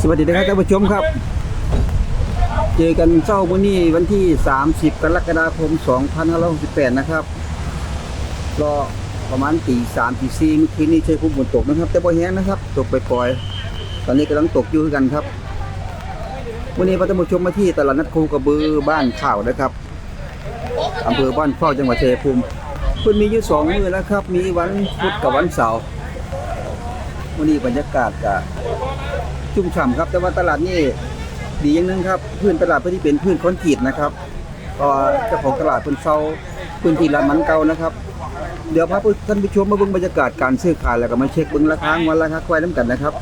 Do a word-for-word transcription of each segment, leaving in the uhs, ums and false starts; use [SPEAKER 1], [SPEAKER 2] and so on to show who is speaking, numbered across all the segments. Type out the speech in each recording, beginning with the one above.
[SPEAKER 1] วัสดีนะครับท่านผู้ชมครับเจอกันเช้าวันนี้วันที่สามสิบกรกฎาคมสองพันห้าร้อยหกสิบแปดนะครับรอประมาณตีสามตีสี่เมื่อคืนนี้ใช้พุ่มฝนตกนะครับแต่บ่แห้งนะครับตกไปปล่อยตอนนี้กำลังตกอยู่กันครับวันนี้ท่านผู้ชมมาที่ตลาดนัดคูกระบือบ้านข่าวนะครับอำเภอบ้านเข้าจังหวัดชัยภูมิเพิ่นมีอยู่สองมื้อแล้วครับมีวันพุธกับวันเสาร์วันนี้บรรยากาศก็ชุ่มฉ่ำครับแต่ว่าตลาดนี่ดีอย่างนึงครับพื้นตลาดเพื่อที่เป็นพื้นคอนกรีตนะครับก็เจ้าของตลาดเพิ่นเซาพื้นที่ร้านมันเก่านะครับเดี๋ยวพาท่านผู้ชมมาเบิ่งบรรยากาศการซื้อขายแล้วก็มาเช็คเบิ่งราคาวันราคาควายน้ำกันนะครับ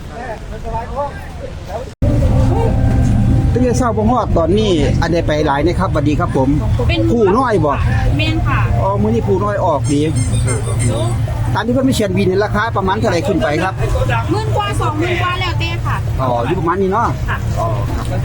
[SPEAKER 1] ตั้งแต่เช้าบ่ฮอดตอนนี้อันใดไปหลายนะครับสวัสดีครับผมผู้น้อยบ่
[SPEAKER 2] แม่นค่ะ
[SPEAKER 1] อ๋อมื้อนี้ผู้น้อยออกดีตามที่เพิ่นมีเขียนบินราคาประมาณเท่าไหร่ขึ้นไปครับ
[SPEAKER 2] หมื่นกว่าสองหมื่นกว่าแล้วแต่ค่ะ
[SPEAKER 1] อ๋ออยู่ประมาณนี้เนาะ
[SPEAKER 2] ค่ะ
[SPEAKER 1] อ๋อครับ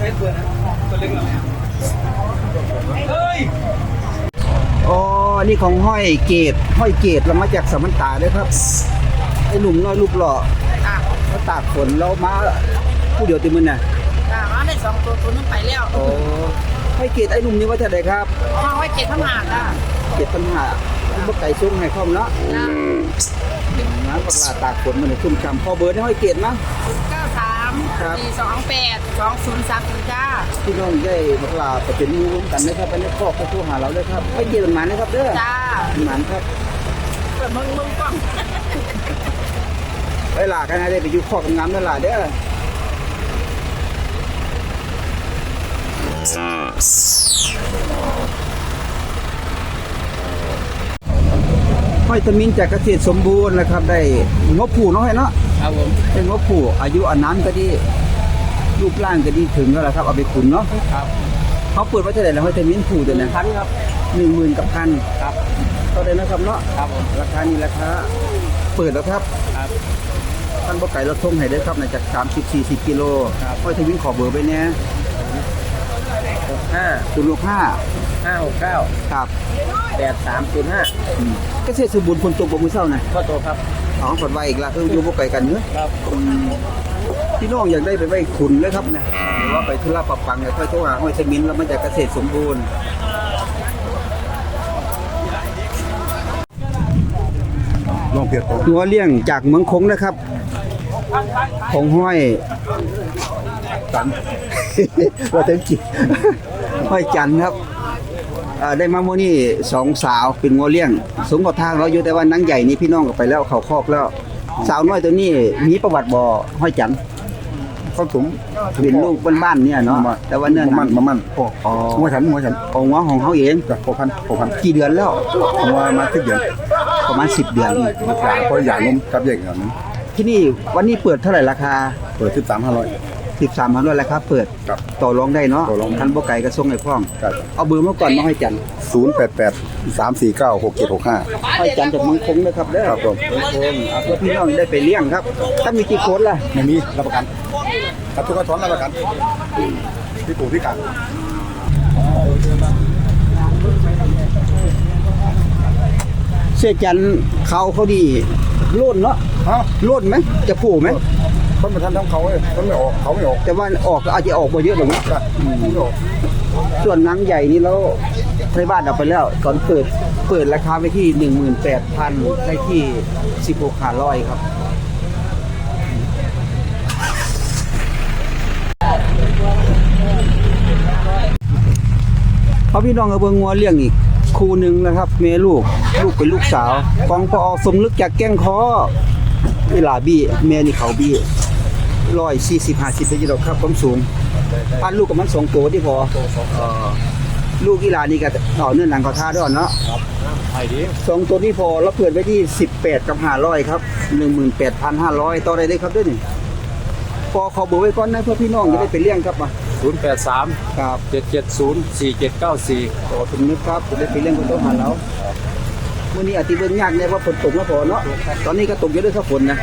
[SPEAKER 1] อ๋อนี่ของห้อยเกตห้อยเกตเรามาจากสมันตาด้วยครับไอ้หนุ่มน้อยรูปหล่อ
[SPEAKER 2] ค่ะ
[SPEAKER 1] เขาตากฝนเรามาผู้เดียวติมื้อน่ะ
[SPEAKER 2] ค่ะมาได้สองตัวตัวนึงไปแล้ว
[SPEAKER 1] โอ้ห้อยเกตไอ้หนุ่มนี่ว่าเท่าใดครับ
[SPEAKER 2] อ๋อห้อยเกตทำงานค่ะ
[SPEAKER 1] เกตทำงานบ่ไก่ซุ้งให้พร้อมเนาะนะนะปลาตากฝนมันชุ่มฉ่ำพอเบอร์ได้ห้อยเกตมั้ย
[SPEAKER 2] ศูนย์ เก้า สาม สี่ สอง แปด สอง ศูนย์ สาม ศูนย์จ้า
[SPEAKER 1] พี่น้องได้ปลาไปเป็นมือร่วมกันนะครับไปในครอบครัวโทรหาเราเลยครับห้อยเกตมันมานะครับเด้อ
[SPEAKER 2] จ้า
[SPEAKER 1] มันครับ
[SPEAKER 2] เปิดมึงมึงก่อน
[SPEAKER 1] ไปหลากันนะได้ไปอยู่คอกงามนั่นล่ะเด้อห้อยตะมินจากเกษตรสมบูรณ์นะครับได้งบผูน้อยเนาะ
[SPEAKER 2] ครับผม
[SPEAKER 1] เป็นงบผูอายุอันนั้นก็ดีรูปร่างก็ดีถึงแล้วล่ะครับเอาไปขุนเนาะ
[SPEAKER 2] ครับ
[SPEAKER 1] เขาเปิดไว้เท่าไหร่แล้วห้อยตะมินผูตัวนั้น
[SPEAKER 2] พันครับ
[SPEAKER 1] หนึ่งหมื่นกับพัน
[SPEAKER 2] ครับ
[SPEAKER 1] เท่าไหร่นะครับเนาะ
[SPEAKER 2] ครับผม
[SPEAKER 1] ราคานี้ราคาเปิดแล้วครับ
[SPEAKER 2] ครับ
[SPEAKER 1] ท่านบ่ไก่รถส่งให้ได้ครับในจากสามสิบ สี่สิบกิโลห้อยตะมินขอเบอร์ไว้แน่
[SPEAKER 2] หกห้า
[SPEAKER 1] ศูนย์หกห้า
[SPEAKER 2] ห้าหกเก้า
[SPEAKER 1] ครับ
[SPEAKER 2] แปดสามศูนย์ห้า
[SPEAKER 1] เกษตรสมบูรณ์ฝนตกบ่มื้อเช้าน่ะ
[SPEAKER 2] ก็โตครับ
[SPEAKER 1] อ๋อฝนไว้อีกละคืออยู่บ่ไกลกันเนาะ
[SPEAKER 2] ครับ
[SPEAKER 1] พี่น้องอยากได้ไปไว้ขุนเลยครับนะหรือว่าไปธุระปะปังเนี่ยค่อยโทรหาห้อยตะมินแล้วมันจะเกษตรสมบูรณ์
[SPEAKER 3] ลองเพียร
[SPEAKER 1] หัวเลี้ยงจากเมืองคงนะครับของห้อย
[SPEAKER 3] จัน
[SPEAKER 1] ว่าถึงจิห้อยจันครับได้มาโมนี่สองสาวเป็นงัวเลี้ยงสูงกว่าทางเราอยู่แต่ว่านังใหญ่นี่พี่น้องก็ไปแล้วเขาคอกแล้วสาวน้อยตัวนี้มีประวัติบ่ห้อยจัน
[SPEAKER 3] เขาสูง
[SPEAKER 1] เป็นลูกบ้านๆเนี่ยเนาะแต่ว่าเนื้อ
[SPEAKER 3] มันมันพ่ออ๋อหัวฉันหัวฉัน
[SPEAKER 1] ของงัวของเขาเอง
[SPEAKER 3] จ้ะหกพันหกพัน
[SPEAKER 1] กี่เดือนแล้ว
[SPEAKER 3] หัวมาสิบเดือน
[SPEAKER 1] ประมาณสิบเดือน
[SPEAKER 3] ราคาเพราะใหญ่นมกับใหญ่อย่างนั้น
[SPEAKER 1] ที่นี่วันนี้เปิดเท่าไหร่ราคา
[SPEAKER 3] เปิดสิบสามห้าร้อย
[SPEAKER 1] สิบสามพันด้วยราคาเปิดต่อรองได้เนาะทันบ่ไก่กระทรงไอ้พ่องเอาเบอร์มาก่อนมาให้จัน
[SPEAKER 3] ศูนย์แปดแปดสามสี่เก้าหกเจ็ดหกห้า
[SPEAKER 1] ให้จันจากเมืองคงนะครับเด้อ
[SPEAKER 3] ครับผม
[SPEAKER 1] เมืองคงเอาเพื่อพี่น้องได้ไปเลี้ยงครับถ้ามีกี่โค้ดล่ะ
[SPEAKER 3] ไม่มีรับประกันครับทุกคนรับประกันพี่ปู่พี่กัง
[SPEAKER 1] เสียจันเขาเขาดีโล่นเนาะโล่นไหมจะผูไหม
[SPEAKER 3] คนมาทำทั้งเขาเลยคนไม่ออกเขาไม่ออก
[SPEAKER 1] แต่ว่าออกก็อาจจะออกมาเยอะหรือไม่ส่วนนังใหญ่นี่แล้วในบ้านเอาไปแล้วตอนเปิดเปิดราคาไปที่ หนึ่งหมื่นแปดพัน ได้ที่สิบหกพันห้าร้อยครับเขาพี่น้องเอาเบิ่งงัวเลี้ยงอีกคู่หนึ่งนะครับเมลูกลูกเป็นลูกสาวกองพอสมลึกจากแก้งคอเวลาบี้แม่นี่เขาบี้ร้อยสี่สิบห้าสิบได้ยินหรอกครับความสูงอันลูกกับมันสองตัวที่พอลูกกีฬานี่ก็ต่อเนื่องหลังเขาท่าด้วยเนาะสองตัวนี้พอเราเปิดไว้ที่สิบแปดกับห้าร้อยครับหนึ่งหมื่นแปดพันห้าร้อยต่อได้เลยครับด้วยนี่พอเขาเบอร์ไว้ก่อนนะเพื่อพี่น้องจะได้ไปเลี้ยงครับมา
[SPEAKER 4] ศูนย์แปดสาม
[SPEAKER 1] ครับ
[SPEAKER 4] เจ็ดเจ็ดศูนย์สี่เจ็ดเก้าสี่
[SPEAKER 1] ต่อถึงนึกครับจะได้ไปเลี้ยงคนโตหาเราวันนี้อาทิตย์เบิ่งยากเนี่ยว่าฝนตกแล้วพอเนาะตอนนี้ก็ตกเยอะด้วยครับฝนนะ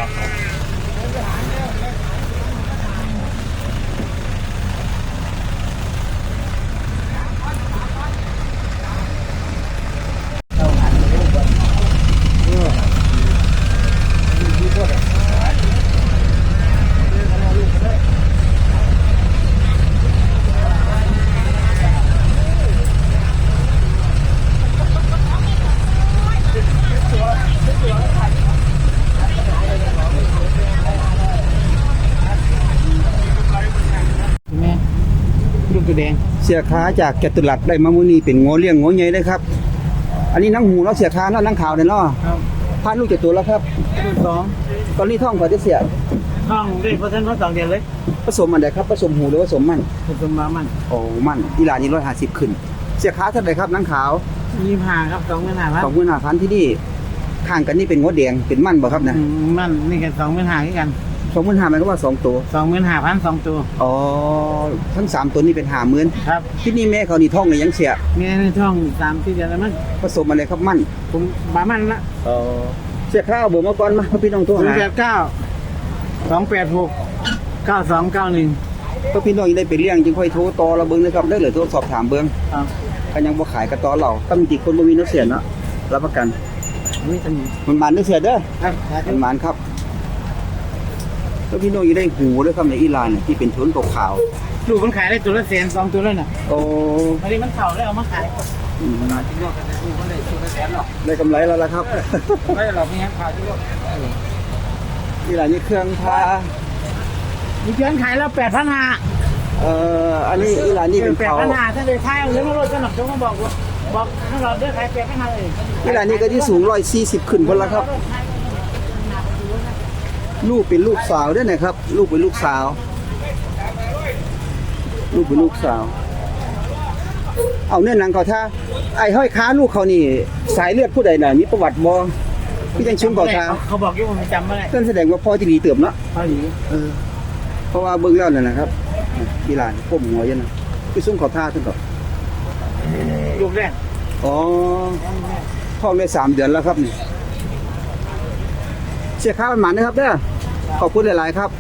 [SPEAKER 5] ตัวแดง
[SPEAKER 1] เสียขาจากจตุรัสได้มามื้อนี้เป็นงัวเลี้ยงงัวใหญ่เลยครับ อันนี้นังหูเนาะเสียขาเนาะนังขาวเนี่ยเนาะ
[SPEAKER 5] ครับ
[SPEAKER 1] พานลูกจากตัวแล้วครับ
[SPEAKER 5] ตัวสอง
[SPEAKER 1] ตอนนี้ท้องก่อนจะเสีย
[SPEAKER 5] ห้องได้เปอร์เซ็นต์ว่าสองเดือนเลย
[SPEAKER 1] ผสมอันใดครับผสมหูหรือผสมมัน
[SPEAKER 5] ผสมมามัน
[SPEAKER 1] โอ้มันอีหลานนี่ร้อยห้าสิบขึ้น เสียขาเท่าไหร่ครับนังขาว
[SPEAKER 5] ยี่สิบห้าครับสองหมื่นห้าพัน
[SPEAKER 1] สองหมื่นห้าพันที่นี่ข้างกันนี่เป็นงัวแดงเป็นมันบ่ครับนะ
[SPEAKER 5] อืมมันนี่กันสองหมื่นห้าคือกัน
[SPEAKER 1] สองหมื่นห้ามันก็ว่าสองตัว
[SPEAKER 5] สองหมื่นห้าพันสองตัว
[SPEAKER 1] อ๋อทั้งสามตัวนี้เป็นห้าหมื่น
[SPEAKER 5] ครับ
[SPEAKER 1] ที่นี่แม่เขานี่ท้องเลยยังเสีย
[SPEAKER 5] มีในท้องสามสี่เดือนแล้วมั้ง
[SPEAKER 1] ผสมอะไรครับมัน
[SPEAKER 5] ผมบามันละ
[SPEAKER 1] อ๋อเสียข้าวเบอร์มาก่อนมาพี่น้องโทร
[SPEAKER 5] ศูน
[SPEAKER 1] หา
[SPEAKER 5] ย์แปดเก้าสองแปดหกเก้าสองเก้าหนึ่ง
[SPEAKER 1] ก็พี่น้องยังได้ไปเลี้ยงจึงค่อยโทรต่อเราเบิ่งนะครับได้เหลือโทรสอบถามเบิ่ง
[SPEAKER 5] ครับ
[SPEAKER 1] ก็ยังบ่ขายกระต่อเราตั้งจิคนบ่มีน้ำเสียเนาะรับประกัน
[SPEAKER 5] นี่เป็น
[SPEAKER 1] มันมันเด้อเสียเด้อ
[SPEAKER 5] ครับ
[SPEAKER 1] มันมันครับแล้วพี่น้องยังได้หูด้วยครับในอีหร่านเนี่ยที่เป็นทุนขาว
[SPEAKER 5] ลูกมันขายได้ตัวละแสนสองตัวแล้วน่ะ
[SPEAKER 1] ๆโอ้
[SPEAKER 5] อันนี้มันเข่าแล้วเอามาขาย
[SPEAKER 1] อืม
[SPEAKER 5] จริงๆก็ลูกมันได้ตัวละแสนหรอก
[SPEAKER 1] ได้กำไรแล้วล่ะครับ
[SPEAKER 5] ไม่หรอกมีงั้นขายที่ลูก
[SPEAKER 1] อีหร่านนี่เครื่องพา
[SPEAKER 5] มีเพื่อนขายแล้วแปดพันห้า
[SPEAKER 1] เอ่ออันนี้อีหร่านนี่เป็น
[SPEAKER 5] แปด
[SPEAKER 1] เขา
[SPEAKER 5] พันห้าถ้าเลยขายเอาเรื่องรถสนับสนุนบอกว่าบอกให้เราได้ขายแปดพันห้าเลย
[SPEAKER 1] อีหร่านนี่ก็ที่สูงหนึ่งร้อยสี่สิบขึ้นพุ่นละครับ ลูกเป็นลูกสาวด้วยนะครับ ลูกเป็นลูกสาว ลูกเป็นลูกสาว เอาเนื้อหนังเขาท่าไอ้ห้อยค้าลูกเขานี่สายเลือดผู้ใดน่ะมีประวัติบ่พี่จังชุมเขาท่า
[SPEAKER 5] เขาบอกอยู่ผมจำไม่ได้
[SPEAKER 1] นั่นแสดงว่าพ่อที่ดีเติบเนาะ
[SPEAKER 5] เขาหนี
[SPEAKER 1] เออเพราะว่าเบิ่งแล้วนั่นนะครับอีหลานก้มหัวอยู่นะพี่ซุ้มเขาท่าขึ้นก่อน
[SPEAKER 5] ลูกแรก
[SPEAKER 1] อ๋อท้องได้สามเดือนแล้วครับนี่เสียค่ามันหมันนะครับเด้อขอบคุณหลายๆครับ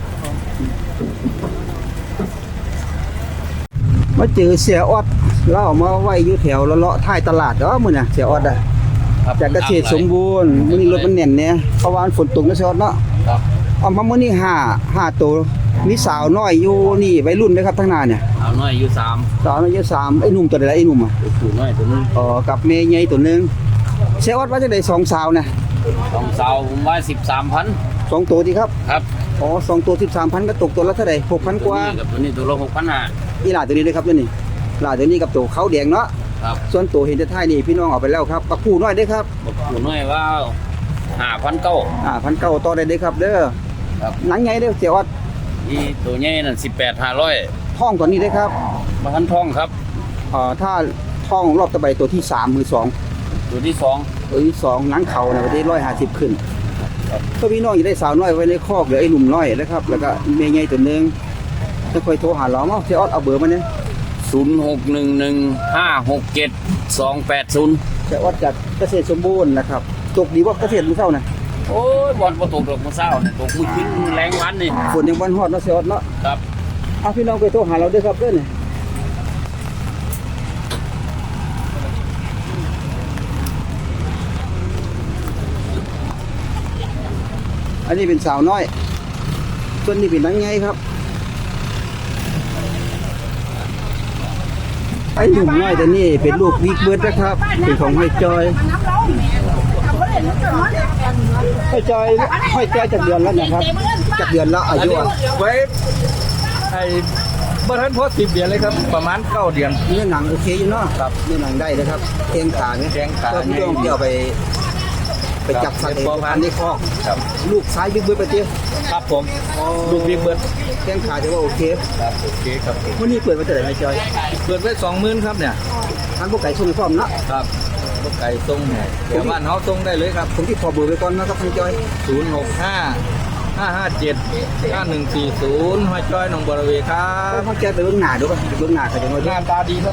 [SPEAKER 1] มาเจอเสียออดเราเอามาไว้อยู่แถวเลาะๆท้ายตลาดเด้อมื้อน่ะเสียออดอ่ะจากเกษตรสมบูรณ์มื้อนี้รถมันแน่นเนี่ยเพราะว่าฝนตกนะเสียออดเนาะ
[SPEAKER 4] ครับ
[SPEAKER 1] เอามามื้อนี้ห้า ห้าตัวมีสาวน้อยอยู่นี่วัยรุ่นเด้อครับทางหน้าเนี่ย
[SPEAKER 4] เอาน้อยอายุสาม
[SPEAKER 1] สาวน้อยอยู่สามไอ้หนุ่มตัวใดล่ะไอ้หนุ่มอ่ะ
[SPEAKER 4] ตัวผู้น้อยตัวนึง
[SPEAKER 1] อ๋อกับแม่ใหญ่ตัวหนึงเสียออดว่าจังได๋สองสาวน่ะ
[SPEAKER 4] สองสาวผมว่าสิบสามพัน
[SPEAKER 1] สองตัวดีครับ
[SPEAKER 4] ครับ
[SPEAKER 1] อ๋อสองตัวสิบสามพันก็ตกตัวละเท่าใดหกพันกว่า
[SPEAKER 4] ตัวนี้กับตัวนี้ตัวละหกพันห้า
[SPEAKER 1] อีหลาตัวนี้เด้อครับตัวนี้หลาตัวนี้กับตัวขาวแดงเนาะ
[SPEAKER 4] ครับ
[SPEAKER 1] ส่วนตัวเห็นแต่ท้ายนี่พี่น้องเอาไปแล้วครับกับผู้น้อยเด้อครับ
[SPEAKER 4] บอกผู้น้อยว่าห้าพันเก้า
[SPEAKER 1] อ่าพันเก้าต่อได้เด้อครับเด้อ
[SPEAKER 4] ครับ
[SPEAKER 1] หนังใหญ่เด้อเสียออด
[SPEAKER 4] อีตัวใหญ่นั่นสิบแปดห้าร้อย
[SPEAKER 1] ท้องตัวนี้เด้อครับ
[SPEAKER 4] มาทันทองครับ
[SPEAKER 1] เอ่อถ้าท้องรอบต่อไปตัวที่สามมือสอง
[SPEAKER 4] ตัวที่สอง
[SPEAKER 1] ตัวที่สองหนังเขาเนี่ยประเทศร้อยห้าสิบขึ้น
[SPEAKER 4] ครับ
[SPEAKER 1] ถ้าพี่น้องอยากได้สาวน้อยไว้ในคอกหรือไอ้หนุ่มน้อยนะครับ แล้วก็เมียใหญ่ตัวหนึงจะค่อยโทรหาเราเนาะเสียออดเอาเบอร์มาเนี่ย
[SPEAKER 4] ศูนย์หกหนึ่งหนึ่งห้าหกเจ็ดสองแปดศูนย์
[SPEAKER 1] เสียออดจากเกษตรสมบูรณ์นะครับตกดีว่าเกษตรมือเท่านะ
[SPEAKER 4] โอ้ยบอลประตูดอกมะเศร้าเนี่ยตกมือขึ้นมือแรงวันนี่
[SPEAKER 1] ฝนยังวันฮอดเนาะเสียออดเนาะ
[SPEAKER 4] ครับ
[SPEAKER 1] เอาพี่น้องไปโทรหาเราด้วยครับเด้อเนี่ยอันนี้เป็นสาวน้อย ส่วนนี้เป็นนังไงครับ ไอ้หนุ่มน้อยตัวนี้เป็นลูกวิกเบิร์ดนะครับ เป็นของห้อยจอยห้อยจอยห้อยจอยจากเดือนแล้วนะครับจากเดือนละอายุอะ
[SPEAKER 3] ไว้ไอ้บ้านพอสิบเดือนเลยครับ ประมาณเก้าเดือน
[SPEAKER 1] เนื้อหนังโอเคอยู่เนาะครับเนื้อหนังได้นะครับแข้งขาเนี่ย
[SPEAKER 3] แข้งขา
[SPEAKER 1] ก็พี่ต้องเกี่ยวไป ไปจับสัตว์เองพันในคอก
[SPEAKER 3] ครับ
[SPEAKER 1] ลูกซ้ายบิ๊กเบิร์ดไปเตี้ย
[SPEAKER 3] ครับผมลูกบิ๊กเบิร์ด
[SPEAKER 1] แข้งขาถือว่าโอเค
[SPEAKER 3] ครับโอเคครับ
[SPEAKER 1] วันนี้เปิดมาเท่าไหร่ห้อยจอย
[SPEAKER 3] เปิดไว้สองหมื่นครับเนี่ย
[SPEAKER 1] ทางพวกไก่ส่งพร้อมเนาะ
[SPEAKER 3] ครับพวกไก่ตรงเดี๋ยวบ้านเขาตรงได้เลยครับ
[SPEAKER 1] ผมที่ขอเบอร์ไว้ก่อนนะครับห้อยจอย
[SPEAKER 3] ศูนย์หกห้าห้าห้าเจ็ดห้าหนึ่งสี่ศูนย์ห้อยจ้อยหนองบัวระเวครั
[SPEAKER 1] เอา
[SPEAKER 3] บ
[SPEAKER 1] ห้อยจอยไปเบื้องหน้าดูป่ะเบื้องหน้าเขาจะน้อย
[SPEAKER 3] หน้าตาดีครับ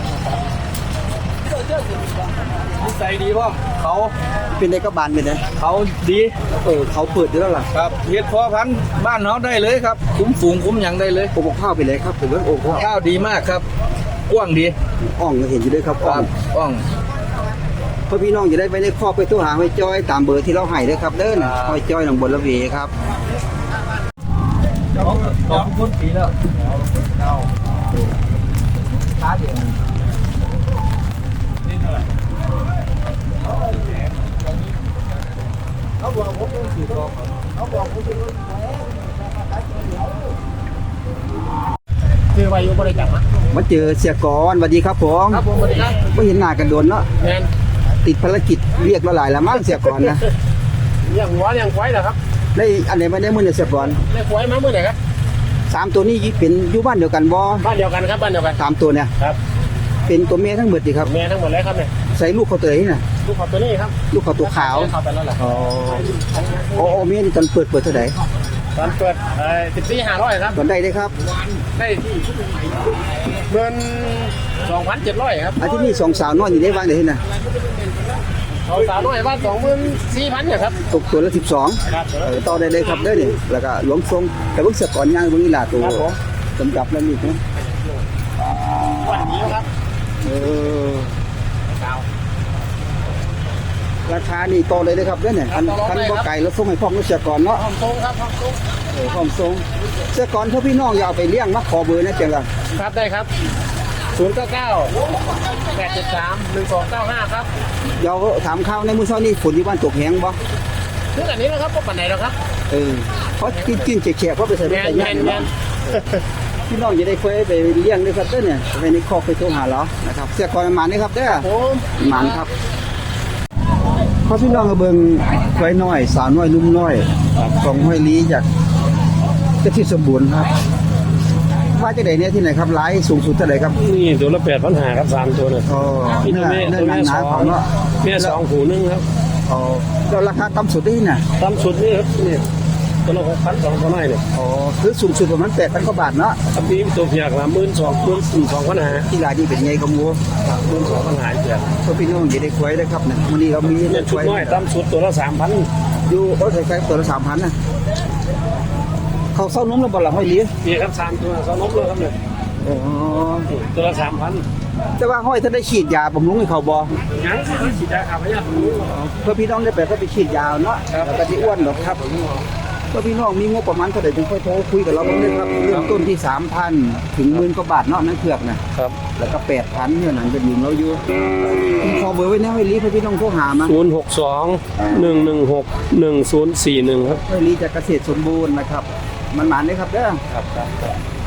[SPEAKER 3] นิสัยดีพ่อมเขา
[SPEAKER 1] เป็นได้ก็บานเป็นไง
[SPEAKER 3] เขาดี
[SPEAKER 1] เออเขาเปิดอยู่แล้วล่ะ
[SPEAKER 3] ครับเฮ็ดพอพันธุ์บ้านเขาได้เลยครับ คุ้มฝูงคุ้มหยังได้เลย
[SPEAKER 1] โอ้โหข้าวไปเลยครับเป็นเรื่องโอ้โห
[SPEAKER 3] ข้าวดีมากครับกว้างดี
[SPEAKER 1] อ่องก็เห็นอยู่ด้วยครับ
[SPEAKER 3] ค
[SPEAKER 1] อ่อ
[SPEAKER 3] รั
[SPEAKER 1] ง
[SPEAKER 3] บกว้าง
[SPEAKER 1] เพื่อพี่น้องจะได้ไปในครอบไปตู้หาห้อยจ้อยตามเบอร์ที่เราให้ด้วยครับเด้อห้อยจ้อยหนองบัวระเวครับ
[SPEAKER 3] ขอบคุณปีแล้วขาเดียวเขาบอกผมต้องสีทองเขาบอกผมเป็น
[SPEAKER 5] เจอซื้อไว้อยู่บริจาคนะ
[SPEAKER 1] มาเจอเสียกรสวัสดีครับผม
[SPEAKER 5] ครับผมสวัสดีครับ
[SPEAKER 1] ไม่เห็นหน้ากันโดนเนาะ
[SPEAKER 5] แมน
[SPEAKER 1] ติดภารกิจเรียกเราหลายแล้วมั้งเสียกรนะ
[SPEAKER 5] เลี้ยงหัวเลี้ยงควายเหรอครับ
[SPEAKER 1] ได้อันไหนมาได้มือเนี่ยเสียกร
[SPEAKER 5] เลี้ยงควายมาเมื่อไหร่ครับ
[SPEAKER 1] สามตัวนี้เป็นอยู่บ้านเดียวกันบ่
[SPEAKER 5] บ้านเดียวกันครับบ้านเดียวกัน
[SPEAKER 1] สามตัวเนี่ย
[SPEAKER 5] ครับ
[SPEAKER 1] เป็นตัวเมียทั้งหมดดีครับ
[SPEAKER 5] แม่ทั้งหมดเลยครับเนี่ย
[SPEAKER 1] ใส่ลูกเขาตัวไหนน่ะ
[SPEAKER 5] ลูกเขาตัวนี้ครับ
[SPEAKER 1] ลูกเขาตัวขาว
[SPEAKER 5] เขาไปแล้วแหละ
[SPEAKER 1] อ๋อโอ้โอ้เมียนี่ตอนเปิดเปิดเท่าไหร่
[SPEAKER 5] ตอนเปิดสิบสี่ห้าร้อยครับ
[SPEAKER 1] ตอนได้ได้ครับ
[SPEAKER 5] ได้เงินสองพันเจ็ดร้อยครับ
[SPEAKER 1] อันที่นี่สองสาวน้อยอยู่ได้บ้างเดี๋ยวนี้นะ
[SPEAKER 5] เขาสาวน้อยบ้านสองหมื่นสี่พันเนี่ยครับ
[SPEAKER 1] ตกตัวละสิบสอง
[SPEAKER 5] ครับ
[SPEAKER 1] เออต่อได้เลยครับเด้อนี่แล้วก็หลวงทรงแต่เพิ่งเสียก่อนย่างเพิ่งนี่ลาตัว
[SPEAKER 5] ครับผม
[SPEAKER 1] กำกับแล้วนี่นะ
[SPEAKER 5] วันนี้ครับ
[SPEAKER 1] เออ
[SPEAKER 5] สาว
[SPEAKER 1] ราคานี่ต่อเลยเลยครับเด้อเนี่ยคันคันบ่ไก่แล้วส่งให้พ่อมเสียก่อนเนาะ
[SPEAKER 5] ห้องทรงครับห้องทรง
[SPEAKER 1] เออพ่อมส่งเสียก่อนถ้าพี่น้องอย่าเอาไปเลี้ยงมาขอเบอร์นะเจังล่ะ
[SPEAKER 5] ครับได้ครับศูนย์เก้าเก้าแปดเจ็ดสามหนึ่งสองเก้าห้าครับ
[SPEAKER 1] เดี๋ยวถามข่าวในมื้อเช้านี้ฝนอยู่บ้านตกแหงบ่
[SPEAKER 5] ถึงอันนี้แล้วครับก็ปันไหนแล้วครับ
[SPEAKER 1] เออเพราะกินกินแฉะๆเพราะไปใส่
[SPEAKER 5] แม
[SPEAKER 1] รถ
[SPEAKER 5] น
[SPEAKER 1] ใส่
[SPEAKER 5] แม
[SPEAKER 1] ย่าง
[SPEAKER 5] น
[SPEAKER 1] นี่
[SPEAKER 5] แม
[SPEAKER 1] เนาะ
[SPEAKER 5] น
[SPEAKER 1] พี่น้องจะได้เคยไปเลี้ยงด้วยครับเด้อเนี่ยไปในคอกไปโทรหาเรานะครับเสียก่อนมานี่ครับเด้อ
[SPEAKER 5] ผม
[SPEAKER 1] หมันครับพอพี่น้องก็เบิ่งไว้น้อยสาวน้อยลุ่มน้อยของห้อยลีจากกระทิสมบูรณ์ครับว่าจะได้เนี่ยที่ไหนครับไลฟ์สูงสุดเท่าไหร่ครับ
[SPEAKER 5] นี่ตัวละแปดพันหาครับสามตัวเนี่ย
[SPEAKER 1] อ๋อ
[SPEAKER 5] มี
[SPEAKER 1] เนื้
[SPEAKER 5] ตัว
[SPEAKER 1] อ
[SPEAKER 5] แม่
[SPEAKER 1] เนื้อ
[SPEAKER 5] ตัว
[SPEAKER 1] หนั
[SPEAKER 5] แม่
[SPEAKER 1] งห
[SPEAKER 5] ส
[SPEAKER 1] นา
[SPEAKER 5] อง
[SPEAKER 1] ของเนาะ
[SPEAKER 5] แม่สองผูนึงครับ
[SPEAKER 1] อ๋อแล้วราคาต่ำสุดได้ที่ไหน
[SPEAKER 5] ตามสุดนี่ครับนี่ตัวละหกพันสองตัวน้อยเนี่ย
[SPEAKER 1] อ๋อคือสูงสุดประมาณแปดพันกว่าบาทเนาะ
[SPEAKER 5] อันนี้ตัวเพียกละหมื่นสองหมื่นสี่สองพันหา
[SPEAKER 1] ที่รายนี้เป็นไงกับหมู
[SPEAKER 5] หมื่นสองพันหาเพียก
[SPEAKER 1] พอพี่น้องจะได้ควยได้ครับเนี่ยวันนี้เรามี
[SPEAKER 5] เนี่ยชุดน้อยตามสุดตัวละสามพัน
[SPEAKER 1] อยู่รถไฟฟ้าตัวละสามพันนะเขาเศร้านุ่มแล้วบ่ละห้อยลี
[SPEAKER 5] นี่ครับสามตัวสองนกเลยครับเนี่ย
[SPEAKER 1] อ๋อ
[SPEAKER 5] ตัวละสามพัน
[SPEAKER 1] แต่ว่าห้อยถ้าได้ฉีดยาบำรุงให้เขาบ่
[SPEAKER 5] ยังสิฉีดยาขับพยาธิ
[SPEAKER 1] เพื่อพี่น้องได้ไปก็ไปฉีดยาเนาะแล้วก็ที่อ้วนหรอกครับเพื่อพี่น้องมีงบประมาณเท่าไหร่จึงค่อยโทรคุยกับเราบ้างเลยครับเริ่มต้นที่สามพันถึงหมื่นกว่าบาทเนาะนั่นเผือกนะครับ แล้วก็แปดพันเนี่ยนั่นจะยืมเราอยู่ผมขอเบอร์ไว้นะให้ลีเพื่อพี่น้องโทรหามา
[SPEAKER 5] ศูนย์หกสองหนึ่งหนึ่งหกหนึ่งศูนย์สี่หนึ่งครับ
[SPEAKER 1] ให้ลีจากเกษตรสมบูรณ์นะครับมันหมานเลยครับเด้อ
[SPEAKER 5] ครับครับ